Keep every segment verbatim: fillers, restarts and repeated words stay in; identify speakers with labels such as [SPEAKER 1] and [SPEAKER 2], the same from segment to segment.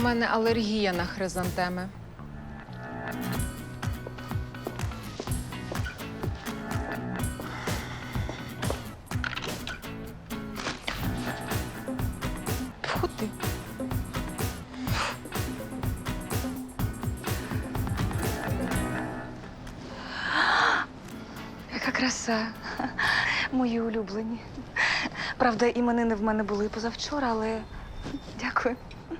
[SPEAKER 1] мене алергія на хризантеми. Фу ти.
[SPEAKER 2] Яка краса. Мої улюблені. Правда, іменини в мене були позавчора, але дякую.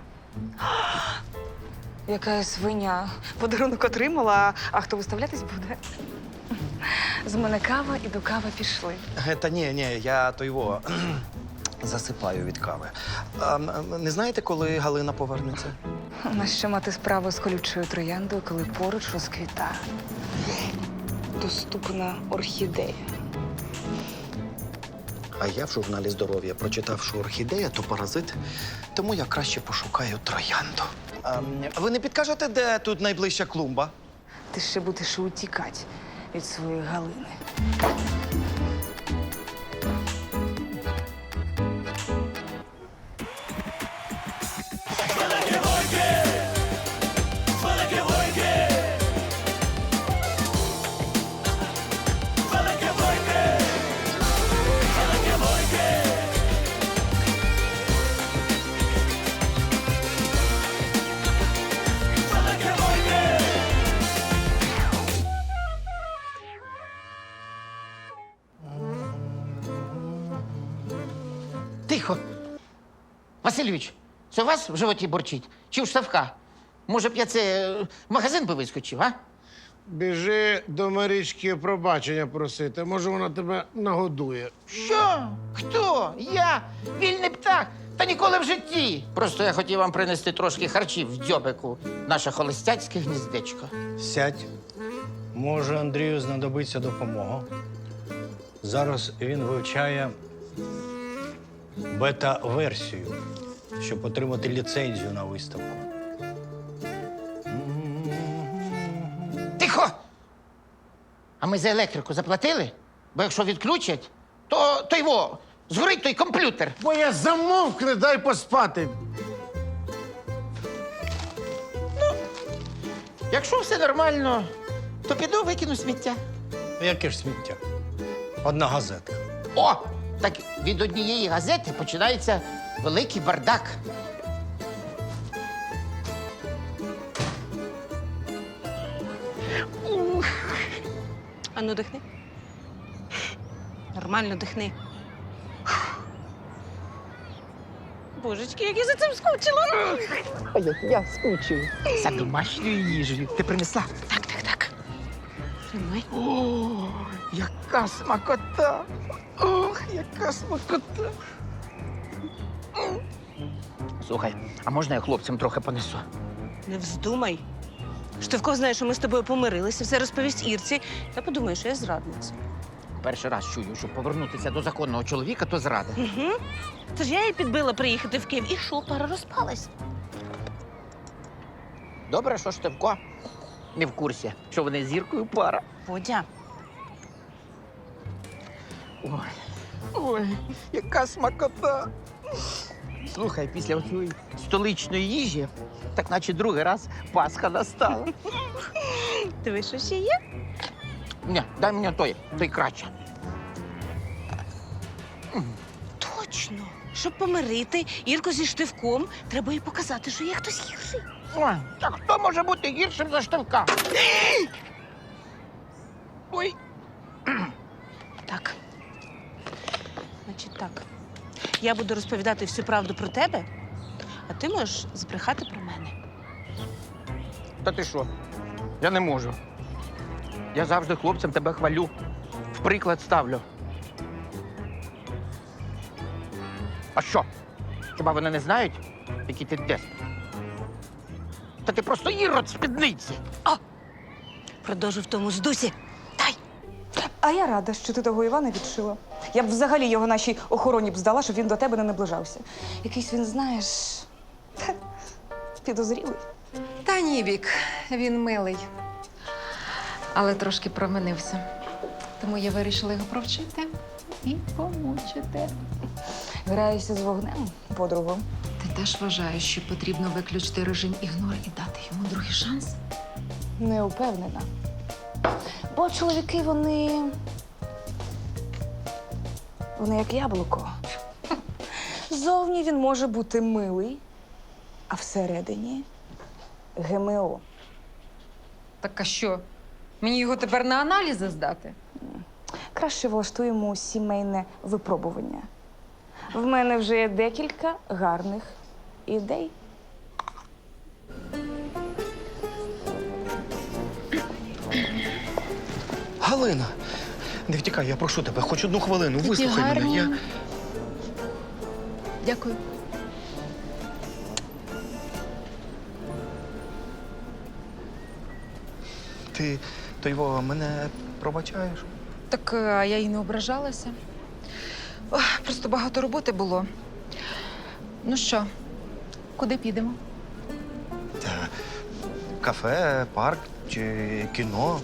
[SPEAKER 2] Яка я свиня. Подарунок отримала, а хто виставлятись буде? З мене кава і до кави пішли.
[SPEAKER 3] Та ні, ні, я то його засипаю від кави. А, м, не знаєте, коли Галина повернеться?
[SPEAKER 2] Нащо мати справу з колючою трояндою, коли поруч розквітає доступна орхідея?
[SPEAKER 3] А я в журналі «Здоров'я» прочитав, що орхідея – то паразит, тому я краще пошукаю троянду. А, м, ви не підкажете, де тут найближча клумба?
[SPEAKER 2] Ти ще будеш утікати від своєї Галини.
[SPEAKER 4] Тихо. Васильович, це у вас в животі борчить? Чи в Штавка? Може б я це е, в магазин би вискочив, а?
[SPEAKER 5] Біжи до Марічки пробачення просити. Може, вона тебе нагодує.
[SPEAKER 4] Що? Хто? Я? Вільний птах? Та ніколи в житті. Просто я хотів вам принести трошки харчів в дзьобику. Наше холостяцьке гніздечко.
[SPEAKER 6] Сядь. Може, Андрію знадобиться допомога. Зараз він вивчає бета-версію, щоб отримати ліцензію на виставку.
[SPEAKER 4] Тихо! А ми за електрику заплатили? Бо якщо відключать, то, то його згорить той комп'ютер.
[SPEAKER 5] Бо я замовкни, дай поспати.
[SPEAKER 4] Якщо все нормально, то піду викину сміття.
[SPEAKER 6] Яке ж сміття? Одна газетка.
[SPEAKER 4] О! Так від однієї газети починається великий бардак.
[SPEAKER 7] Ану, дихни. Нормально дихни. Божечки, як я за цим скучила.
[SPEAKER 4] Ой, я скучив. За домашньою їжею. Ти принесла?
[SPEAKER 7] Так, так, так. Тримай.
[SPEAKER 4] О, яка смакота! Ох, яка смакота! Слухай, а можна я хлопцям трохи понесу?
[SPEAKER 7] Не вздумай. Штовко знає, що ми з тобою помирилися, все розповість Ірці, та подумає, що я зрадниця.
[SPEAKER 4] Перший раз чую, що повернутися до законного чоловіка, то зрада.
[SPEAKER 7] Угу. Тож я її підбила приїхати в Київ, і що, пара розпалась.
[SPEAKER 4] Добре, що Штевко не в курсі, що вони з Зіркою пара.
[SPEAKER 7] Водя.
[SPEAKER 4] Ой, ой, яка смакота! Слухай, після цієї столичної їжі, так наче другий раз Пасха настала.
[SPEAKER 7] Диви, що ще є?
[SPEAKER 4] Ні, дай мені той, той краще.
[SPEAKER 7] Точно. Щоб помирити Ірку зі Штивком, треба їй показати, що є хтось гірший.
[SPEAKER 4] Ой, так хто може бути гіршим за Штевка? Ой.
[SPEAKER 7] Так. Значить так. Я буду розповідати всю правду про тебе, а ти можеш збрехати про мене.
[SPEAKER 4] Та ти що? Я не можу. Я завжди хлопцям тебе хвалю. В приклад ставлю. А що? Хіба вони не знають, який ти деспот? Та ти просто ірод спідниці.
[SPEAKER 7] Продовжу в тому ж дусі. Дай!
[SPEAKER 2] А я рада, що ти того Івана відшила. Я б взагалі його нашій охороні б здала, щоб він до тебе не наближався. Якийсь він, знаєш, підозрілий.
[SPEAKER 1] Та ні, Вік, він милий. Але трошки променився. Тому я вирішила його провчити і помучити.
[SPEAKER 2] Граєшся з вогнем, подругу.
[SPEAKER 1] Та теж вважаю, що потрібно виключити режим ігнор і дати йому другий шанс.
[SPEAKER 2] Не упевнена. Бо чоловіки, вони. Вони як яблуко. Зовні він може бути милий, а всередині ГМО.
[SPEAKER 1] Так а що? Мені його тепер на аналізи здати?
[SPEAKER 2] Краще влаштуємо сімейне випробування. В мене вже є декілька гарних ідей.
[SPEAKER 3] Галина, не втікай, я прошу тебе, хоч одну хвилину, вислухай мене. Я...
[SPEAKER 1] Дякую.
[SPEAKER 3] Ти, то його, мене пробачаєш?
[SPEAKER 1] Так е, а я й не ображалася. Ох, просто багато роботи було. Ну що, куди підемо?
[SPEAKER 3] Та, кафе, парк чи кіно.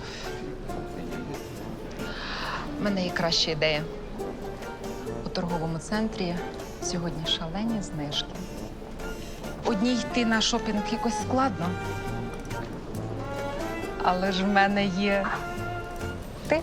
[SPEAKER 1] У мене є краща ідея. У торговому центрі сьогодні шалені знижки. Одній йти на шопінг якось складно. Але ж в мене є ти.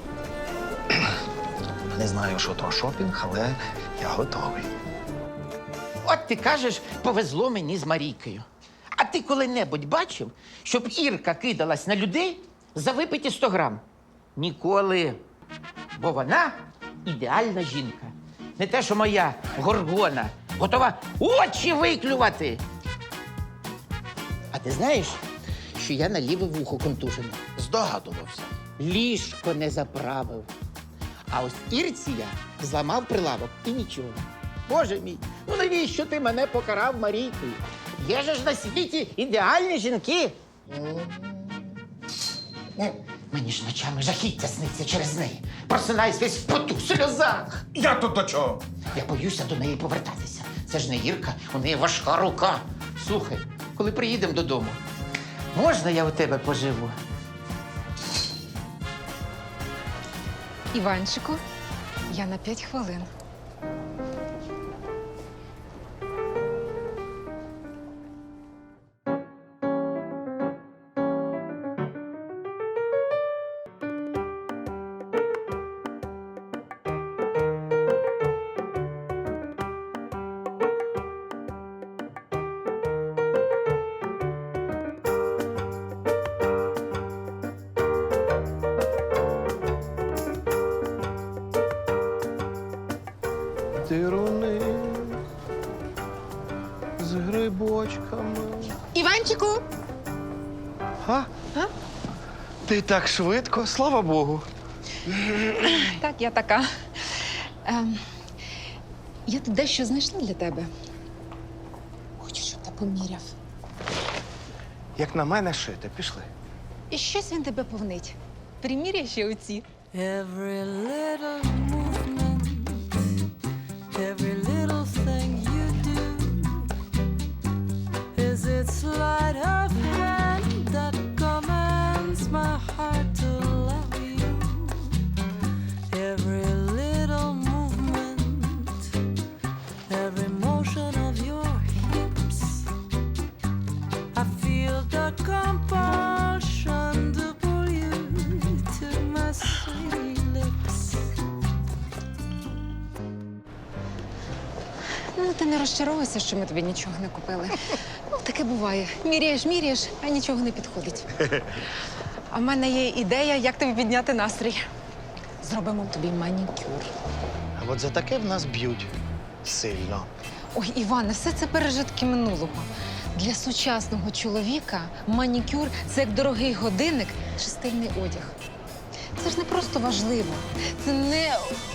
[SPEAKER 3] Не знаю, що то шопінг, але я готовий.
[SPEAKER 4] От ти кажеш, повезло мені з Марійкою. А ти коли-небудь бачив, щоб Ірка кидалась на людей за випиті сто грам? Ніколи. Бо вона ідеальна жінка. Не те, що моя горгона, готова очі виклювати. А ти знаєш, що я на ліве вухо контужений? Здогадувався. Ліжко не заправив. А ось Ірці я зламав прилавок і нічого. Боже мій, ну навіщо ти мене покарав Марійкою? Є же ж на світі ідеальні жінки. Е, Мені ж ночами жахіття сниться через неї. Просинаюсь весь в поту, в сльозах.
[SPEAKER 8] Я тут до чого?
[SPEAKER 4] Я боюся до неї повертатися. Це ж не Ірка, у неї важка рука. Слухай, коли приїдемо додому, можна я у тебе поживу?
[SPEAKER 1] Іванчику, я на п'ять хвилин.
[SPEAKER 3] Дируни з грибочками.
[SPEAKER 1] Іванчику!
[SPEAKER 3] А?
[SPEAKER 1] А?
[SPEAKER 3] Ти так швидко, слава Богу.
[SPEAKER 1] Так, я така. Ем, я тут дещо знайшла для тебе. Хочу, щоб ти поміряв.
[SPEAKER 3] Як на мене шити, пішли.
[SPEAKER 1] І щось він тебе повнить. Приміряй ще оці.
[SPEAKER 9] Every little movement, every little thing you do is its sleight of hand that commands my heart to love you. Every little movement, every motion of your hips, I feel the compulsion to pull you to my sweet lips.
[SPEAKER 1] Ну, ти не розчаровуйся, що ми тобі нічого не купили. Ну, таке буває. Міряєш, міряєш, а нічого не підходить. А в мене є ідея, як тобі підняти настрій. Зробимо тобі манікюр.
[SPEAKER 3] А от за таке в нас б'ють сильно.
[SPEAKER 1] Ой, Іване, все це пережитки минулого. Для сучасного чоловіка манікюр – це як дорогий годинник чи стильний одяг. Це ж не просто важливо. Це не...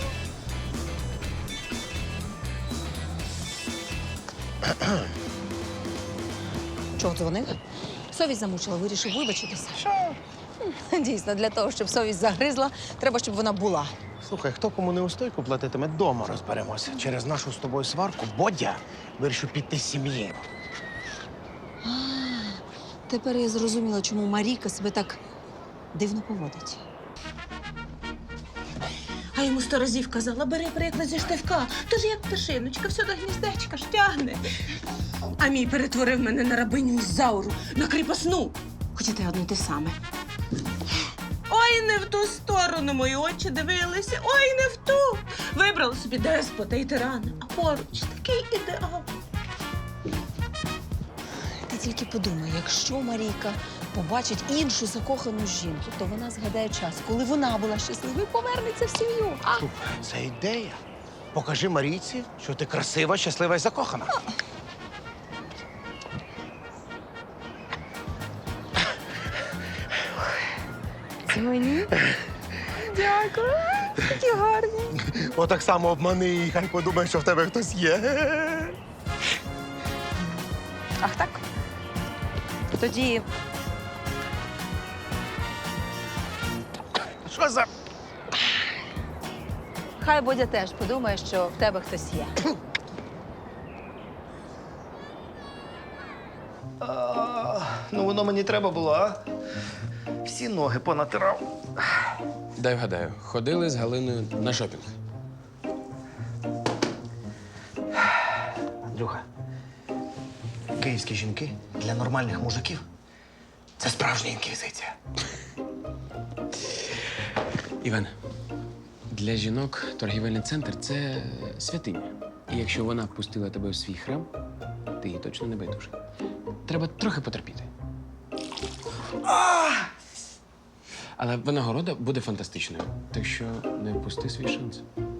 [SPEAKER 10] Чого дзвонив? Совість замучила, вирішив вибачитися. Що? Дійсно, для того, щоб совість загризла, треба, щоб вона була.
[SPEAKER 5] Слухай, хто кому не устойку платитиме, дома розберемося. Через нашу з тобою сварку Бодя вирішив піти з сім'ї.
[SPEAKER 10] А, тепер я зрозуміла, чому Марійка себе так дивно поводить. А йому
[SPEAKER 7] сто разів казала, бери приклад зі штивка. Тож як пташиночка, все до гніздечка ж тягне. А мій перетворив мене на рабиню Ізауру, на кріпосну. Хоча те одне те саме. Ой, не в ту сторону мої очі дивилися, ой, не в ту. Вибрала собі деспота і тирана, а поруч такий ідеал.
[SPEAKER 10] Ти тільки подумай, якщо Марійка побачить іншу закохану жінку, то вона згадає час, коли вона була щаслива і повернеться в сім'ю. А?
[SPEAKER 5] Слухай, це ідея. Покажи Марійці, що ти красива, щаслива і закохана.
[SPEAKER 10] Це мені? Дякую. Такі гарні.
[SPEAKER 5] Отак само обмани її, хай подумає, що в тебе хтось є.
[SPEAKER 10] Ах так? Тоді
[SPEAKER 5] Що за...
[SPEAKER 10] хай Бодя теж подумає, що в тебе хтось є.
[SPEAKER 3] А, ну воно мені треба було, а? Всі ноги понатирав.
[SPEAKER 8] Дай вгадаю, ходили з Галиною на шопінг.
[SPEAKER 3] Андрюха, київські жінки для нормальних мужиків – це справжня інквізиція.
[SPEAKER 8] Іван, для жінок торгівельний центр це святиня. І якщо вона пустила тебе в свій храм, ти їй точно не байдужий. Треба трохи потерпіти. Але винагорода буде фантастичною, так що не впусти свій шанс.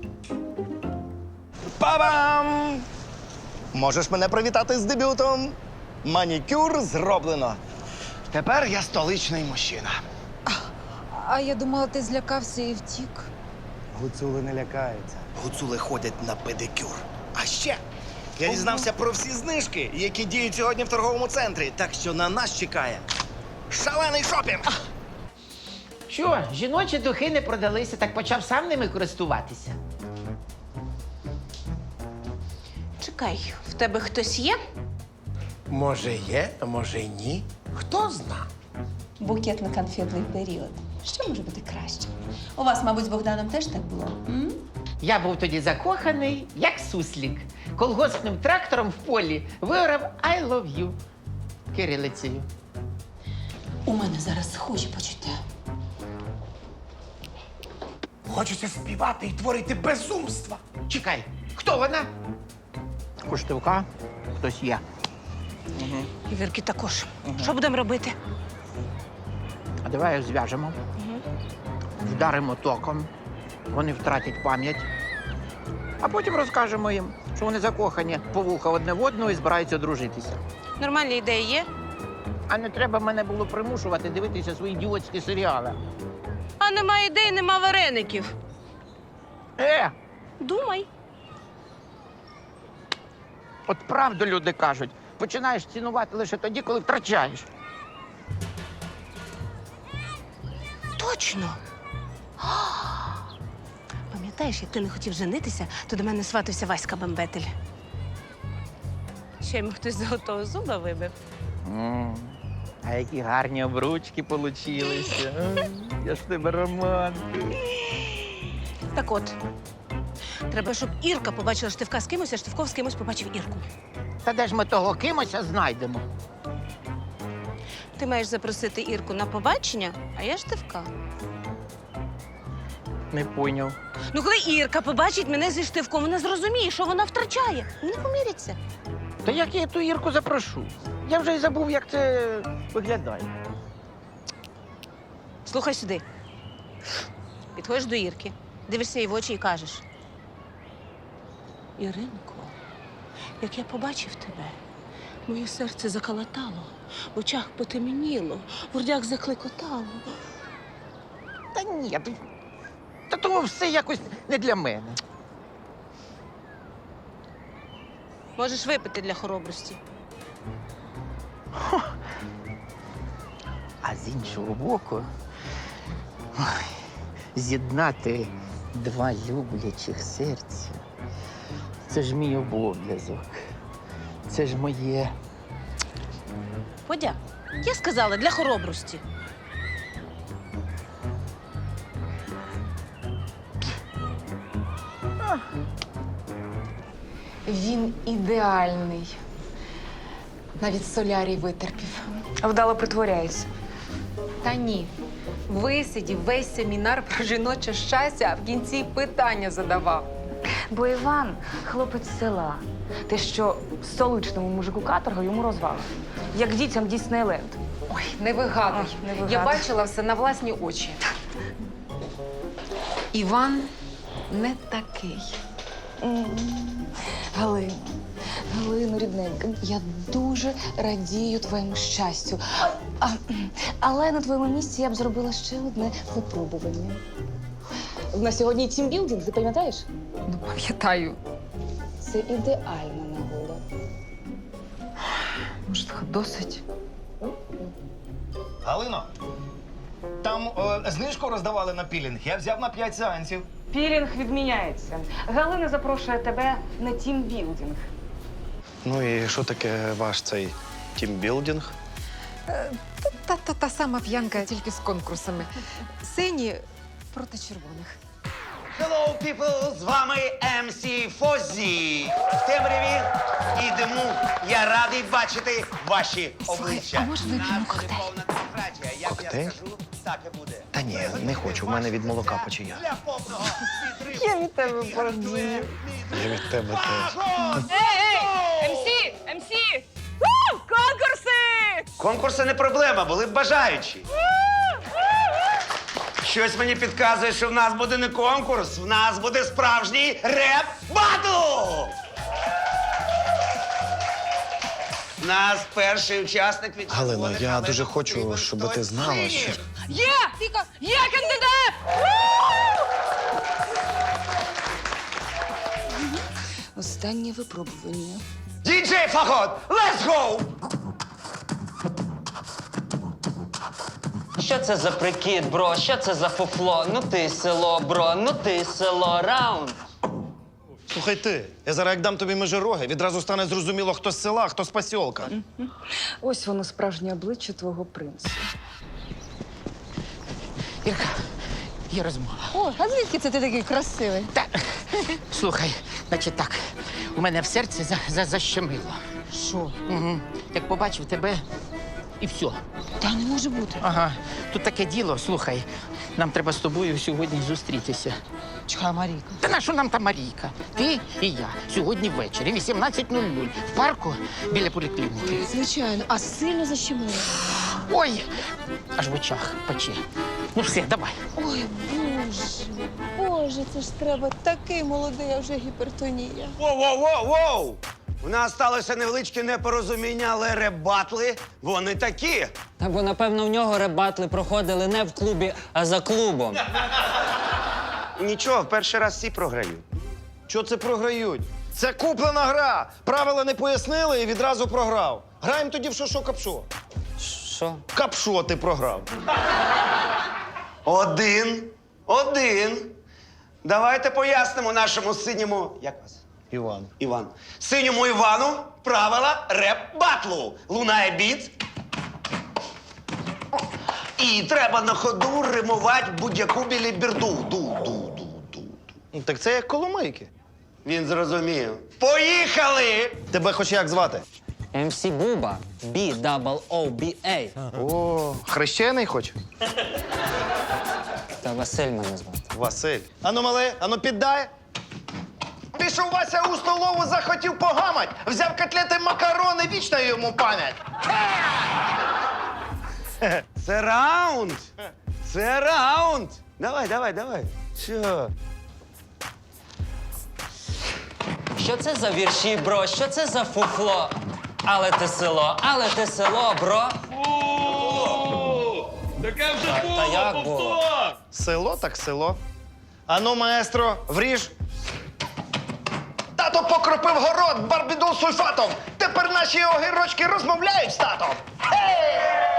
[SPEAKER 3] Па-бам! Можеш мене привітати з дебютом. Манікюр зроблено. Тепер я столичний мужчина.
[SPEAKER 10] А я думала, ти злякався і втік.
[SPEAKER 5] Гуцули не лякаються.
[SPEAKER 3] Гуцули ходять на педикюр. А ще я дізнався про всі знижки, які діють сьогодні в торговому центрі. Так що на нас чекає шалений шопінг.
[SPEAKER 4] Що, жіночі духи не продалися, так почав сам ними користуватися.
[SPEAKER 7] Чекай, в тебе хтось є?
[SPEAKER 5] Може є, а може й ні. Хто зна?
[SPEAKER 10] Букетно-конфетний період. Що може бути краще? У вас, мабуть, з Богданом теж так було? М?
[SPEAKER 4] Я був тоді закоханий, як суслік. Колгоспним трактором в полі виграв I love you кирилицею.
[SPEAKER 10] У мене зараз схожі почуття.
[SPEAKER 5] Хочеться співати і творити безумства.
[SPEAKER 4] Чекай, хто вона? У Штивка хтось є.
[SPEAKER 7] І Вірки також. Що будемо робити?
[SPEAKER 4] А давай їх зв'яжемо, вдаримо током, вони втратять пам'ять, а потім розкажемо їм, що вони закохані по вуха одне в одного і збираються одружитися.
[SPEAKER 7] Нормальні ідеї є?
[SPEAKER 4] А не треба мене було примушувати дивитися свої ідіотські серіали.
[SPEAKER 7] А нема ідей, нема вареників.
[SPEAKER 4] Е,
[SPEAKER 7] Думай.
[SPEAKER 4] от правду люди кажуть, починаєш цінувати лише тоді, коли втрачаєш.
[SPEAKER 7] Точно. А! Пам'ятаєш, як ти не хотів женитися, то до мене сватався Васька Бембетель. Ще йому хтось золотого зуба вибив.
[SPEAKER 4] М, А які гарні обручки получилися. Я ж в тебе романтик.
[SPEAKER 7] Так от, треба, щоб Ірка побачила Штивка з кимось, а Штивков з кимось побачив Ірку.
[SPEAKER 4] Та де ж ми того кимося знайдемо?
[SPEAKER 7] Ти маєш запросити Ірку на побачення, а я Штивка.
[SPEAKER 4] Не пойняв.
[SPEAKER 7] Ну, коли Ірка побачить мене зі Штивком, вона зрозуміє, що вона втрачає. Вони поміряться.
[SPEAKER 4] Та як я ту Ірку запрошу? Я вже й забув, як це виглядає.
[SPEAKER 7] Слухай сюди. Підходиш до Ірки, дивишся їй в очі і кажеш: Іринко, як я побачив тебе, моє серце заколотало, в очах потемніло, в грудях закликотало.
[SPEAKER 4] Та ні, та, та того все якось не для мене.
[SPEAKER 7] Можеш випити для хоробрості.
[SPEAKER 4] А з іншого боку, ой, з'єднати два люблячих серця – це ж мій обов'язок. Це ж моє.
[SPEAKER 7] Подя, я сказала для хоробрості.
[SPEAKER 1] Він ідеальний. Навіть солярій витерпів.
[SPEAKER 2] Вдало притворяється.
[SPEAKER 1] Та ні. Висидів весь семінар про жіноче щастя, а в кінці питання задавав.
[SPEAKER 2] Бо Іван хлопець з села. Те, що столичному мужику каторга йому розвали. Як дітям Діснейленд.
[SPEAKER 1] Ой, не вигадуй.
[SPEAKER 2] А, не вигадуй.
[SPEAKER 1] Я бачила все на власні очі. Іван не такий.
[SPEAKER 2] М. Галина, Галино, рідненька, я дуже радію твоєму щастю. А, але на твоєму місці я б зробила ще одне випробування. В нас сьогодні тімбілдинг, ти пам'ятаєш?
[SPEAKER 1] Ну, пам'ятаю.
[SPEAKER 2] Це ідеальна нагода.
[SPEAKER 1] Може, досить?
[SPEAKER 3] Галино, там е, знижку роздавали на пілінг. Я взяв на п'ять сеансів.
[SPEAKER 2] Пілінг відміняється. Галина запрошує тебе на тімбілдинг.
[SPEAKER 3] Ну і що таке ваш цей тімбілдинг?
[SPEAKER 1] Та, та, та сама п'янка, тільки з конкурсами. Сині проти червоних.
[SPEAKER 11] Hello, people! З вами ем сі Фозі. В темряві і диму я радий бачити ваші обличчя.
[SPEAKER 1] а може вип'ємо
[SPEAKER 11] Нас буде
[SPEAKER 1] коктейль?
[SPEAKER 11] повна демократія. Як
[SPEAKER 3] Коктейль?
[SPEAKER 11] я скажу, так і буде.
[SPEAKER 3] Та ні, не хочу. У мене від молока печія.
[SPEAKER 11] Для повного підриву.
[SPEAKER 1] Я від тебе бордію.
[SPEAKER 3] Я від тебе теж.
[SPEAKER 2] ем сі! Конкурси!
[SPEAKER 11] Конкурси не проблема, були б бажаючі. Щось мені підказує, що в нас буде не конкурс, в нас буде справжній реп-батл! У нас перший учасник від
[SPEAKER 3] Галино,
[SPEAKER 11] червоних,
[SPEAKER 3] я
[SPEAKER 11] але
[SPEAKER 3] дуже
[SPEAKER 11] нам
[SPEAKER 3] хочу,
[SPEAKER 11] потрібен
[SPEAKER 3] щоб
[SPEAKER 11] хтось
[SPEAKER 3] ти знала,
[SPEAKER 11] синіх.
[SPEAKER 3] що-
[SPEAKER 2] Є! Тільки є кандидат! Останнє випробування.
[SPEAKER 11] Діджей Фагот, let's go!
[SPEAKER 12] Що це за прикид, бро? Що це за фуфло? Ну ти село, бро, ну ти село, раунд.
[SPEAKER 3] Слухай ти, я зараз як дам тобі межироги, відразу стане зрозуміло, хто з села, а хто з посілка.
[SPEAKER 2] Ось воно справжнє обличчя твого принца.
[SPEAKER 4] Ірка, є розмова.
[SPEAKER 10] О, а звідки це ти такий красивий?
[SPEAKER 4] Та, слухай, значить так, у мене в серці за, за, защемило.
[SPEAKER 10] Що?
[SPEAKER 4] Угу. Як побачив тебе, і все.
[SPEAKER 10] Та не може бути.
[SPEAKER 4] Ага, тут таке діло, слухай, нам треба з тобою сьогодні зустрітися.
[SPEAKER 10] Чекай, Марійка.
[SPEAKER 4] Та на що нам та Марійка? Ти і я сьогодні ввечері, вісімнадцять нуль нуль, в парку біля поліклініки.
[SPEAKER 10] Звичайно, а сильно защемило.
[SPEAKER 4] Ой, аж в очах пече. Ну все, давай.
[SPEAKER 10] Ой, Боже, Боже, це ж треба такий молодий, а вже гіпертонія.
[SPEAKER 11] Воу-воу-воу-воу! У нас сталося невеличке непорозуміння, але реп-батли, вони такі.
[SPEAKER 12] Та бо, напевно, в нього ребатли проходили не в клубі, а за клубом.
[SPEAKER 11] Нічого, в перший раз всі програють.
[SPEAKER 3] Що це програють? Це куплена гра. Правила не пояснили і відразу програв. Граємо тоді в шо-шо капшо.
[SPEAKER 12] Що?
[SPEAKER 3] Капшо ти програв.
[SPEAKER 11] Один, один. Давайте пояснимо нашому синьому. Як вас?
[SPEAKER 3] Іван.
[SPEAKER 11] Іван. Синьому Івану правила реп-батлу. Лунає біт. І треба на ходу римувати будь-яку біліберду. Ду-ду-ду-ду.
[SPEAKER 3] Ну, так це як коломийки.
[SPEAKER 11] Він зрозумів. Поїхали!
[SPEAKER 3] Тебе хоч як звати?
[SPEAKER 12] ем сі Буба, бі-дабл-о-бі-ей.
[SPEAKER 3] О, хрещений хоч?
[SPEAKER 12] Та Василь мене звати.
[SPEAKER 3] Василь. Ану, мале, ану піддай. Пішов Вася у столову, захотів погамать. Взяв котлети макарони, вічна йому пам'ять.
[SPEAKER 11] Це раунд! Це раунд! Давай, давай, давай. Що?
[SPEAKER 12] Що це за вірші, бро? Що це за фуфло? Але ти село, але ти село, бро.
[SPEAKER 6] Таке вже
[SPEAKER 12] Та, та як було?
[SPEAKER 3] Село так село. Ану, маестро, вріж. Тато покропив город барбідол сульфатом. Тепер наші огірочки розмовляють з татом. Хей!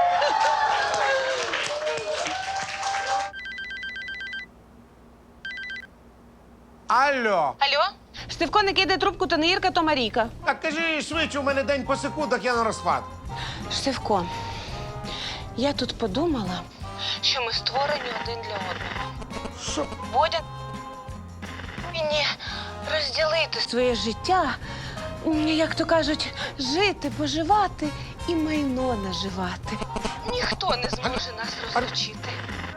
[SPEAKER 5] Алло!
[SPEAKER 7] Алло? Штивко не кидає трубку, то не Ірка, то Марійка.
[SPEAKER 5] Так кажи швидше, у мене день по секундах, я на розпад.
[SPEAKER 7] Штивко, я тут подумала, що ми створені один для одного.
[SPEAKER 5] Що?
[SPEAKER 7] Бодя повинні розділити своє життя, м, як то кажуть, жити, поживати і майно наживати. Ніхто не зможе нас розлучити.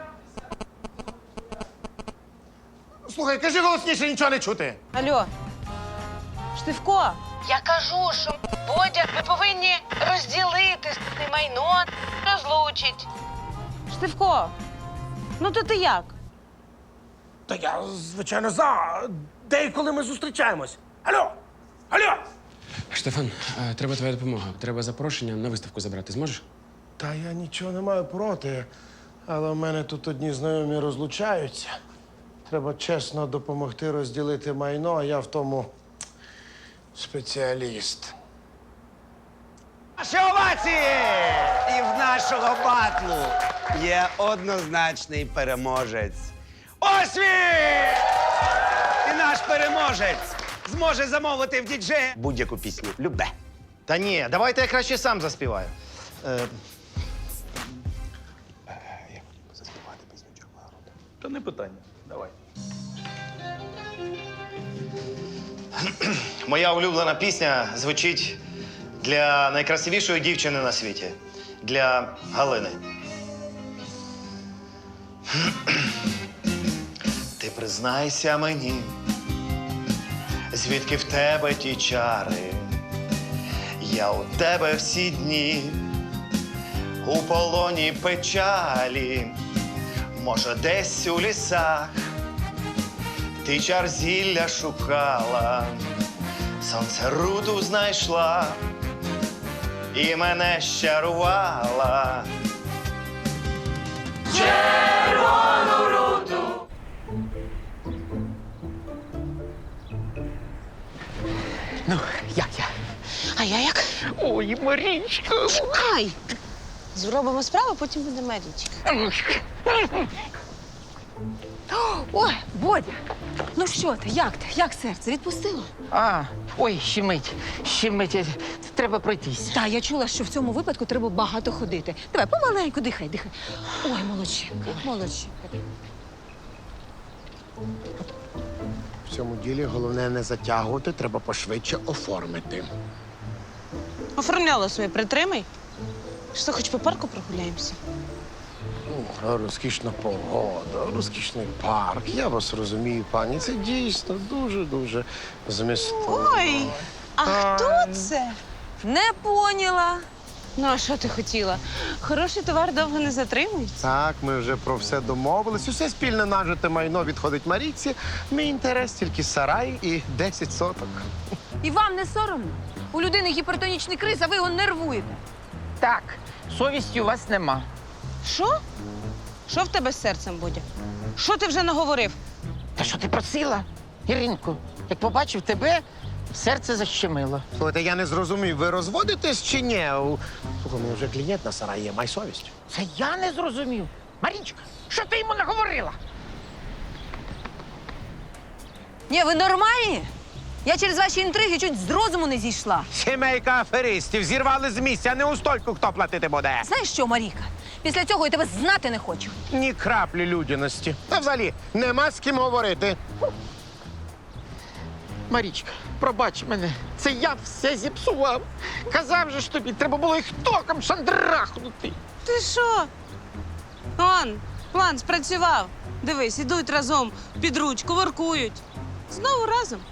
[SPEAKER 5] Слухай, кажи голосніше, нічого не чути.
[SPEAKER 7] Алло, Штивко. Я кажу, що Бодя, ви повинні розділити це майно, розлучить. Штивко, ну то ти як?
[SPEAKER 5] Та я, звичайно, за. Де і коли ми зустрічаємось? Алло! Алло!
[SPEAKER 8] Штефан, е, треба твоя допомога. Треба запрошення на виставку забрати. Зможеш?
[SPEAKER 5] Та я нічого не маю проти, але в мене тут одні знайомі розлучаються. Треба чесно допомогти розділити майно, а я в тому спеціаліст.
[SPEAKER 11] Наші овації! І в нашого батлу є однозначний переможець. Ось він! І наш переможець зможе замовити в діджея будь-яку пісню. Любе.
[SPEAKER 3] Та ні, давайте я краще сам заспіваю. Е,
[SPEAKER 5] Та не питання. Давай.
[SPEAKER 3] Моя улюблена пісня звучить для найкрасивішої дівчини на світі. Для Галини. Ти признайся мені, звідки в тебе ті чари. Я у тебе всі дні, у полоні печалі. Може, десь у лісах ти чар зілля шукала, сонце руду знайшла і мене щарувала. Червону руду.
[SPEAKER 4] Ну, як я?
[SPEAKER 7] А я як?
[SPEAKER 4] Ой, Марічка.
[SPEAKER 7] Чекай. Зробимо справу, потім буде Марічка.
[SPEAKER 10] Ой, Бодя, ну що ти, як ти? Як серце? Відпустило?
[SPEAKER 4] А, ой, щемить, щемить. Треба пройтись.
[SPEAKER 10] Та, я чула, що в цьому випадку треба багато ходити. Давай, помаленьку, дихай, дихай. Ой, молодчинка, молодчинка.
[SPEAKER 5] В цьому ділі головне не затягувати, треба пошвидше оформити.
[SPEAKER 7] Оформляла своє, притримай. Що, хоч по парку прогуляємося?
[SPEAKER 5] Ну, розкішна погода, розкішний парк. Я вас розумію, пані. Це дійсно дуже-дуже змістовно.
[SPEAKER 7] Ой, а хто це?
[SPEAKER 10] Не поняла.
[SPEAKER 7] Ну, а що ти хотіла? Хороший товар довго не затримується.
[SPEAKER 5] Так, ми вже про все домовились. Усе спільне нажите майно відходить Марійці. Мій інтерес тільки сарай і десять соток.
[SPEAKER 10] І вам не соромно? У людини гіпертонічний криз, а ви його нервуєте.
[SPEAKER 4] Так, совісті у вас нема.
[SPEAKER 7] Що? Що в тебе з серцем, Бодя? Що ти вже наговорив?
[SPEAKER 4] Та що ти просила, Іринку? Як побачив тебе, серце защемило.
[SPEAKER 5] Слухайте, я не зрозумів, ви розводитесь чи ні? У- Слухай, ну вже клієнт на сараї є, май совість.
[SPEAKER 4] Це я не зрозумів. Марічка, що ти йому наговорила?
[SPEAKER 10] Ні, ви нормальні? Я через ваші інтриги чуть з розуму не зійшла.
[SPEAKER 5] Сімейка аферистів зірвали з місця, не у стойку хто платити буде.
[SPEAKER 10] Знаєш що, Маріка? Після цього я тебе знати не хочу.
[SPEAKER 5] Ні краплі людяності. Та взагалі нема з ким говорити.
[SPEAKER 4] Марічка, пробач мене, це я все зіпсував. Казав же ж тобі, треба було їх током шандрахнути.
[SPEAKER 7] Ти що? Он, план спрацював. Дивись, ідуть разом під ручку, воркують. Знову разом.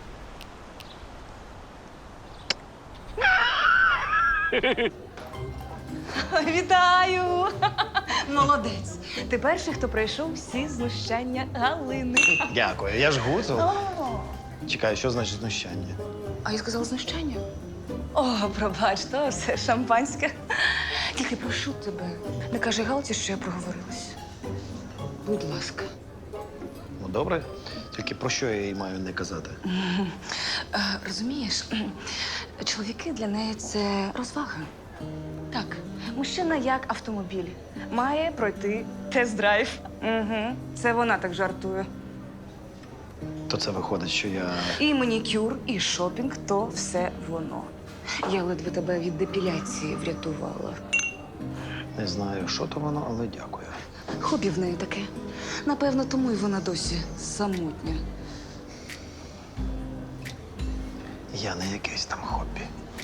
[SPEAKER 2] Вітаю! Молодець. Ти перший, хто пройшов всі знущання Галини.
[SPEAKER 3] Дякую, я ж гуцул. Чекай, що значить знущання?
[SPEAKER 2] А я сказала знущання? О, пробач, то все шампанське. Тільки прошу тебе, не кажи Галці, що я проговорилась. Будь ласка.
[SPEAKER 3] Ну, добре. Тільки про що я їй маю не казати?
[SPEAKER 2] Е, Розумієш, чоловіки для неї це розвага. Так, мужчина як автомобіль. Має пройти тест-драйв. Угу. Це вона так жартує.
[SPEAKER 3] То це виходить, що я.
[SPEAKER 2] І манікюр, і шопінг – то все воно. Я ледве тебе від депіляції врятувала.
[SPEAKER 3] Не знаю, що то воно, але дякую.
[SPEAKER 2] Хобі в неї таке. Напевно, тому й вона досі самотня.
[SPEAKER 3] Я не якесь там хобі.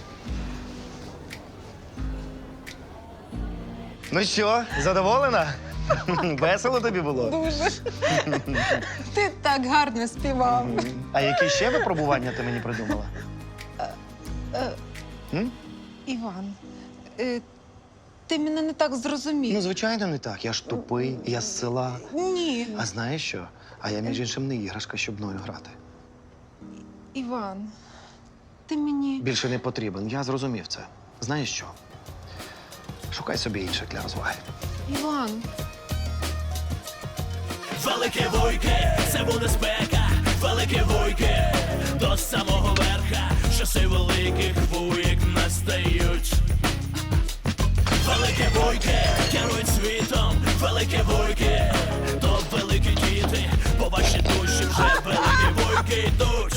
[SPEAKER 3] Ну що, задоволена? Весело тобі було?
[SPEAKER 1] Дуже. Ти так гарно співав.
[SPEAKER 3] А які ще випробування ти мені придумала? М?
[SPEAKER 1] Іван, е, ти мене не так зрозумів.
[SPEAKER 3] Ну, звичайно, не так. Я ж тупий, я з села.
[SPEAKER 1] Ні.
[SPEAKER 3] А знаєш що? А я, між іншим, не іграшка, щоб мною грати.
[SPEAKER 1] Іван, ти мені.
[SPEAKER 3] Більше не потрібен. Я зрозумів це. Знаєш що? Шукай собі інших для розваги.
[SPEAKER 1] Іван.
[SPEAKER 13] Велике вуйки, це буде спека, велике вуйки, до самого верха, часи великих вуйк настають. Велике вуйки, керують світом, велике вуйки, то великі діти, по вашій душі вже великі вуйки йдуть.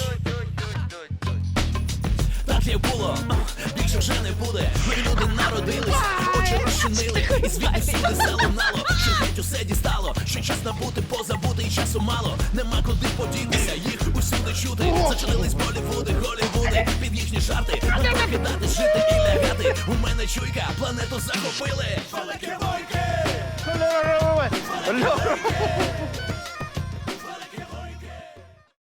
[SPEAKER 13] Так як було, більше вже не буде. Ми люди народились, очі розчинили, і звідти всюди залунало, що геть усе дістало, що час набути, позабути, і часу мало. Нема куди подінутися, їх усюди чути. Зачинились Болівуди, Голівуди, під їхні жарти. Не покидати, жити і лягати. У мене чуйка, планету захопили. Великі войки!
[SPEAKER 3] Льо!